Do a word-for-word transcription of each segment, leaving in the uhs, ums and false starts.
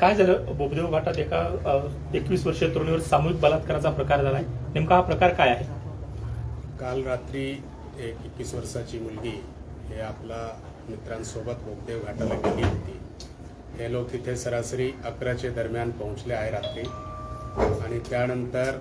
काय झालं बोबदेव घाटात एका एकवीस वर्षीय तरुणीवर सामूहिक बलात्काराचा प्रकार झालाय, नेमका हा प्रकार काय आहे? काल रात्री एक एकवीस वर्षाची मुलगी हे आपला मित्रांसोबत बोबदेव घाटाला गेली होती. हे लोक तिथे सरासरी अकराचे दरम्यान पोहोचले आहे रात्री, आणि त्यानंतर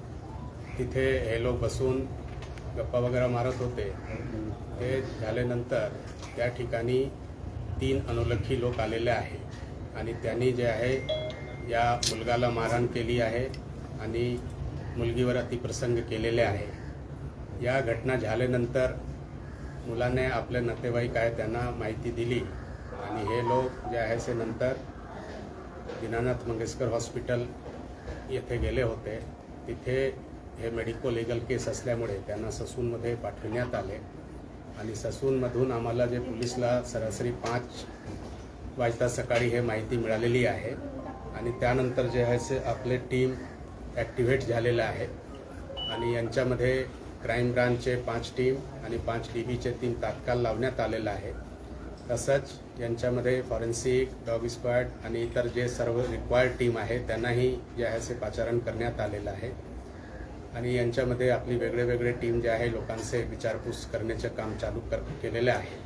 तिथे हे लोक बसून गप्पा वगैरे मारत होते. ते झाल्यानंतर त्या ठिकाणी तीन अनोळखी लोक आलेले आहे आणि त्यांनी जे आहे या मुलगाला मारहाण केली आहे आणि मुलगीवर अतिप्रसंग केलेले आहे. या घटना झाल्यानंतर मुलाने आपले नातेवाईक आहे त्यांना माहिती दिली आणि हे लोक जे आहे ते नंतर दीनानाथ मंगेशकर हॉस्पिटल येथे गेले होते. तिथे हे मेडिको लिगल केस असल्यामुळे त्यांना ससूनमध्ये पाठविण्यात आले आणि ससूनमधून आम्हाला जे पोलिसला सरासरी पाच वाजता सकाळी हे माहिती मिळालेली आहे आणि त्यानंतर जे आहे ते आपले टीम ॲक्टिव्हेट झालेलं आहे आणि यांच्यामध्ये क्राईम ब्रांचचे पाच टीम आणि पाच डी बीचे टीम तात्काळ लावण्यात आलेलं आहे. तसंच यांच्यामध्ये फॉरेन्सिक, डॉग स्क्वॉड आणि इतर जे सर्व रिक्वायर्ड टीम आहे त्यांनाही जे आहे ते पाचारण करण्यात आलेलं आहे आणि यांच्यामध्ये आपली वेगळे वेगळे टीम जे आहे लोकांचे विचारपूस करण्याचे काम चालू कर केलेले आहे.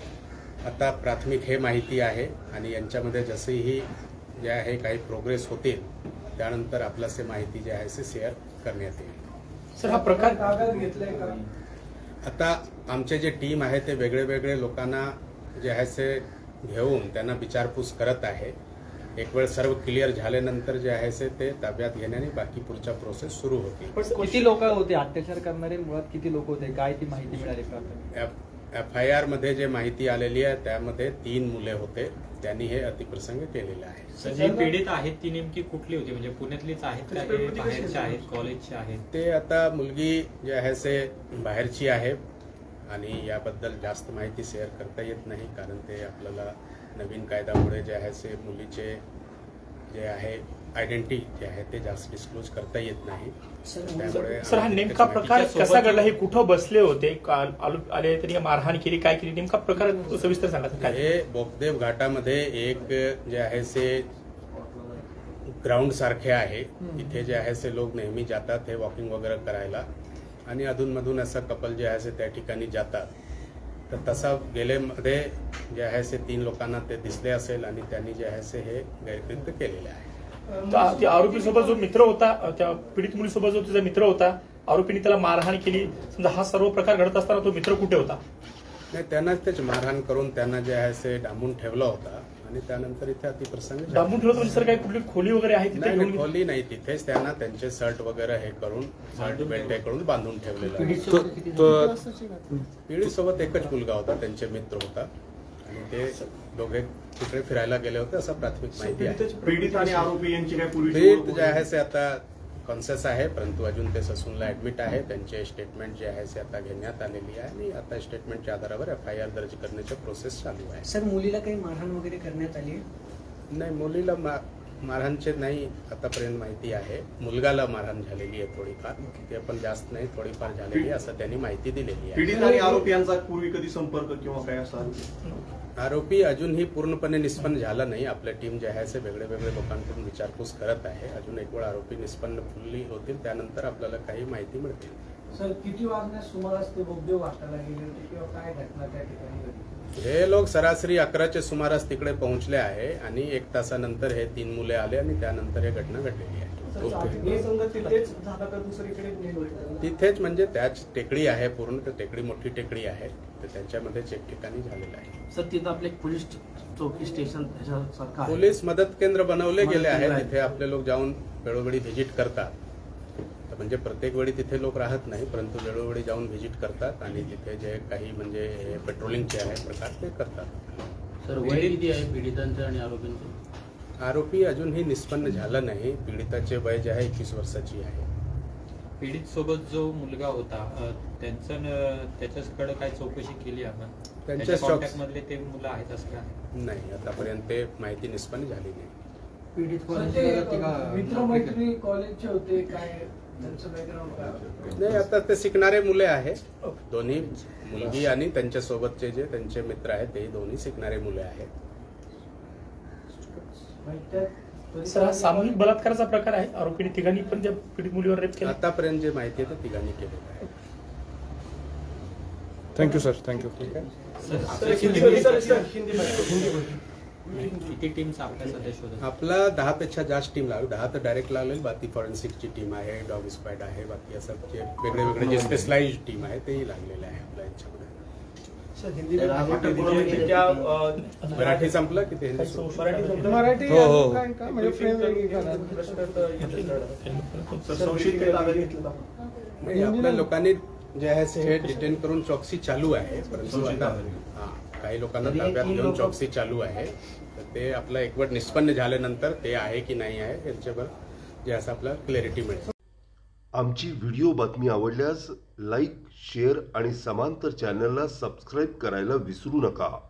आता प्राथमिक हे माहिती आहे आणि यांच्यामध्ये जसेही जे आहे काही प्रोग्रेस होतील त्यानंतर आपल्याला माहिती जी आहे ते शेअर करण्यात येईल. सर, हा प्रकार कागद घेतलाय का? आता आमचे जे टीम आहे ते वेगळे वेगळे लोकांना जे आहे ते घेऊन त्यांना विचारपूस करत आहे. एक वेळ सर्व क्लिअर झाल्यानंतर जे आहे ते ताब्यात घेण्याने बाकी पुढच्या प्रोसेस सुरू होतील. किती लोक होते अत्याचार करणारे? मुळात किती लोक होते, काय ती माहिती मिळाली का? एफ आय आर मध्ये जे माहिती आलेली आहे त्यामध्ये तीन मुले होते, त्यांनी हे अतिप्रसंग केलेले आहे. जी पीडित आहेत ती नेमकी कुठली होती? म्हणजे पुण्यातलीच आहेत का, हे बाहेरचे आहेत, कॉलेजचे आहेत? ते आता मुलगी जे आहे ते बाहेरची आहे आणि याबद्दल जास्त माहिती शेअर करता येत नाही, कारण ते आपल्याला नवीन कायद्यामुळे जे आहे ते मुलीचे जे आहे आयडेंटिटी जे आहे ते जास्त डिस्क्लोज करता येत नाही. त्यामुळे सर, हा नेमका प्रकार कसा घडला? हे कुठं बसले होते, आले त्यांनी मारहाण केली, काय केली, नेमका प्रकार सविस्तर सांगा. काय हे बोबदेव घाटामध्ये एक जे आहे ते ग्राउंड सारखे आहे, तिथे जे आहे ते लोक नेहमी जातात हे वॉकिंग वगैरे करायला आणि अधूनमधून असं कपल जे आहे ते त्या ठिकाणी जातात. तर तसा गेलेमध्ये जे आहे ते तीन लोकांना ते दिसले असेल आणि त्यांनी जे आहे ते हे गैरकृत्य केलेले आहे. आरोपी सोबत जो मित्र होता, त्या पीडित मुलीसोबत जो तिचा मित्र होता, आरोपीने त्याला मारहाण केली, समजा हा सर्व प्रकार घडत असताना तो मित्र कुठे होता? नाही, त्यांनाच तेच मारहाण करून त्यांना जे आहे ते डांबून ठेवला होता आणि त्यानंतर इथे अतिप्रसंग डांबून ठेवलं म्हणजे सर काही कुठली खोली वगैरे आहे तिथे? नाही, खोली नाही, तिथेच त्यांना त्यांचे शर्ट वगैरे हे करून शर्ट बेल्ट हे करून बांधून ठेवलेलं आहे. पीडित सोबत एकच मुलगा होता, त्यांचे मित्र होता आणि ते दोघे तिकडे फिरायला गेले होते असं प्राथमिक माहिती आहे. पीडित आणि आरोपी यांची काय पूर्वी पीडित जे आहे ते आता कॉन्शियस आहे, परंतु अजून ते ससूनला ऍडमिट आहे. त्यांचे स्टेटमेंट जे आहे ते आता घेण्यात आलेली आहे आणि आता स्टेटमेंटच्या आधारावर एफ आय आर दर्ज करण्याची प्रोसेस चालू आहे. सर, मुलीला काही मारहाण वगैरे करण्यात आली? नाही, मुलीला मारहाणचे नाही आतापर्यंत माहिती आहे. मुलगाला मारहाण झालेली आहे थोडीफार, ते पण जास्त नाही, थोडीफार झालेली आहे असं त्यांनी माहिती दिलेली आहे. पीडित आणि आरोपी यांचा पूर्वी कधी संपर्क किंवा काय असा? आरोपी अजूनही पूर्णपणे निष्पन्न झाला नाही. आपल्या टीम जे आहे ते वेगळे वेगळे लोकांकडून विचारपूस करत आहे. अजून एक वेळ आरोपी निष्पन्न फुल्ली होतील त्यानंतर आपल्याला काही माहिती मिळतील. सर, किती वाजण्यास सुमारास ते बोबदेव घाटाला गेले होते किंवा काय घटना त्या ठिकाणी घडली? हे लोक सरासरी अकराच्या सुमारास तिकडे पोहोचले आहे आणि एक तासानंतर हे तीन मुले आले आणि त्यानंतर ही घटना घडलेली आहे. तिथेच म्हणजे त्याच टेकडी आहे, पूर्ण टेकडी मोठी टेकडी आहे, तर त्याच्यामध्येच एक ठिकाणी झालेलं आहे. सर, तिथं आपले पोलीस चौकी स्टेशन सारखं पोलीस मदत केंद्र बनवले गेले आहे, तिथे आपले लोक जाऊन वेळोवेळी व्हिजिट करतात. म्हणजे प्रत्येक वेळी तिथे लोक राहत नाही, परंतु वेळोवेळी जाऊन व्हिजिट करतात आणि तिथे जे काही म्हणजे पेट्रोलिंगचे आहे प्रकार ते करतात. सर, वय किती आहे पीडितांचं आणि आरोपींचं? आरोपी अजूनही निष्पन्न झाला नाही. पीडिताचे वय जे आहे एकवीस वर्षाची आहे. पीडित सोबत जो मुलगा होता त्यांचं त्याच्याकडे काय चौकशी केली आपण? त्यांच्या कॉन्टॅक्ट मधले ते मुलं आहेत असं काय? नाही, आतापर्यंत ते माहिती निष्पन्न झाली नाही. पीडित मित्रमैत्री कॉलेजचे होते, काय त्यांचं बॅकग्राऊंड काय? नाही, आता ते शिकणारे मुले आहेत, दोन्ही मुलगी आणि त्यांच्या सोबतचे जे त्यांचे मित्र आहेत ते दोन्ही शिकणारे मुले आहेत. तरी सर हा सामूहिक बलात्काराचा प्रकार आहे. आरोपीने तिघांनी पण त्या पीडित मुलीवर रेप केला. आतापर्यंत जे माहिती आहे ते तिघांनी केलेलं आहे. Thank you sir thank you. सर, किती टीम्स आपल्या सध्या शोधत आपला दहा पेक्षा जास्त टीम लागेल. दहा तर डायरेक्ट लागेल. बाकी फॉरेन्सिकची टीम आहे, डॉग स्क्वॉड आहे, बाकी असं जे वेगळे वेगळे जे स्पेशलाइज टीम आहे तेही लागलेले आहे आपल्या यांच्यामध्ये. त्या, अ, मराठी संपलं की ते हिंदी सुरू? मराठी संपलं? मराठी हो, हो. अजून काय का म्हणजे फ्रेम वेगळी करा. सर, संशयित काही ताब्यात घेतलं आपण? नाही, आपल्या लोकांनी जे आहे ते डिटेन करून चौकशी चालू आहे. परंतु आता हा काही लोकांना ताब्यात घेऊन चौकशी चालू आहे. तर ते आपलं एकवट निष्पन्न झाल्यानंतर ते आहे की नाही आहे याच्यावर जे असं आपलं क्लॅरिटी मिळेल. आमची व्हिडिओ बातमी आवडल्यास लाईक, शेअर आणि समांतर चॅनलला सबस्क्राईब करायला विसरू नका.